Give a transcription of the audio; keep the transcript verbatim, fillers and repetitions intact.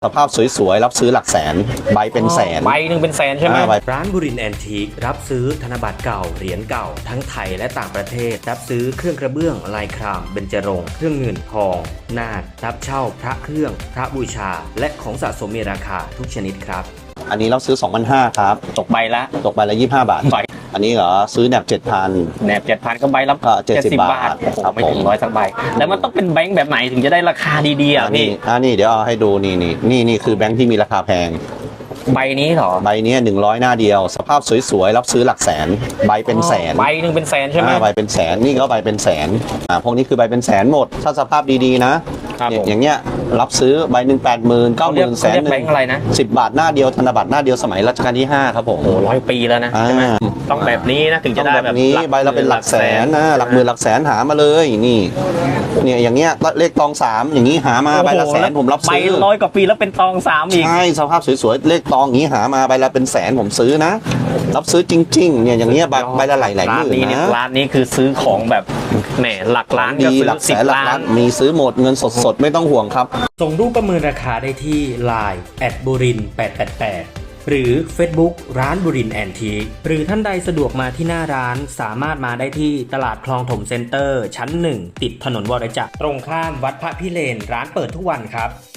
สภาพสวยๆรับซื้อหลักแสนใบเป็นแสนใบหนึ่งเป็นแสนใช่ไหมร้านบุรินทร์แอนทีครับซื้อธนบัตรเก่าเหรียญเก่าทั้งไทยและต่างประเทศรับซื้อเครื่องกระเบื้องลายครามเบญจรงค์เครื่องเงินทองนาครับเช่าพระเครื่องพระบูชาและของสะสมมีราคาทุกชนิดครับอันนี้เราซื้อ สองพันห้าร้อย ครับตกใบละตกใบละยี่สิบห้าบาทใบอันนี้เหรอซื้อแหนบ เจ็ดพันแหนบเจ็ดพันก็ใบละก็เจ็ดสิบบาทโอ้โหครับไม่ถึงผมร้อยสักใบแล้วมันต้องเป็นแบงค์แบบไหนถึงจะได้ราคาดีๆอ่ะอันพี่นี้อันนี้เดี๋ยวเอาให้ดูนี่นี่นี่นี่คือแบงค์ที่มีราคาแพงใบนี้เหรอใบนี้หนึ่งร้อยหน้าเดียว สภาพสวยๆรับซื้อหลักแสนใบเป็นแสนใบหนึ่งเป็นแสนใช่ไหมอ่าใบเป็นแสนนี่ก็ใบเป็นแสนอ่าพวกนี้คือใบเป็นแสนหมดถ้าสภาพดีๆนะครับ เนี่ยผมอย่างเงี้ยรับซื้อใบหนึ่งแปดหมื่นเก้าหมื่นแสนหนึ่แบงงค์อะไรนะสิบบาทหน้าเดียวธนบัตรหน้าเดียวสมัยรัชกาลที่ห้าครับผมโอ้ร้อยปีแล้วนะใช่ไหมต้องแบบนี้นะถึงจะได้ต้องแบบนี้หลักใบละเป็นหลักแสนนะหลักหมื่นหลักแสนหามาเลยนี่เนี่ยอย่างเงี้ยเลขตองสามอย่างนี้หามาใบละแสนผมรับใบซื้อร้อยกว่าปีแล้วเป็นตองสามอีกใช่สภาพสวยๆเลขตองอย่างนี้หามาใบละเป็นแสนผมซื้อนะ รับซื้อจริงๆเนี่ยอย่างเงี้ยใบใบละหลายหลายหร้านมื่นนี้เนี่ยนะร้านนี้คือซื้อของแบบแหมหลักล้านก็ดีซื้หลัอกแสสิบนหลักล้าล้าน นมีซื้อหมดเงินสดๆไม่ต้องห่วงครับส่งรูปประเมินราคาได้ที่ ไลน์ แอท บุรินทร์แปดแปดแปด หรือ Facebook ร้านบุรินทร์แอนทีคหรือท่านใดสะดวกมาที่หน้าร้านสามารถมาได้ที่ตลาดคลองถมเซ็นเตอร์ชั้นหนึ่งติดถนนวรจักรตรงข้ามวัดพระพิเรนร้านเปิดทุกวันครับ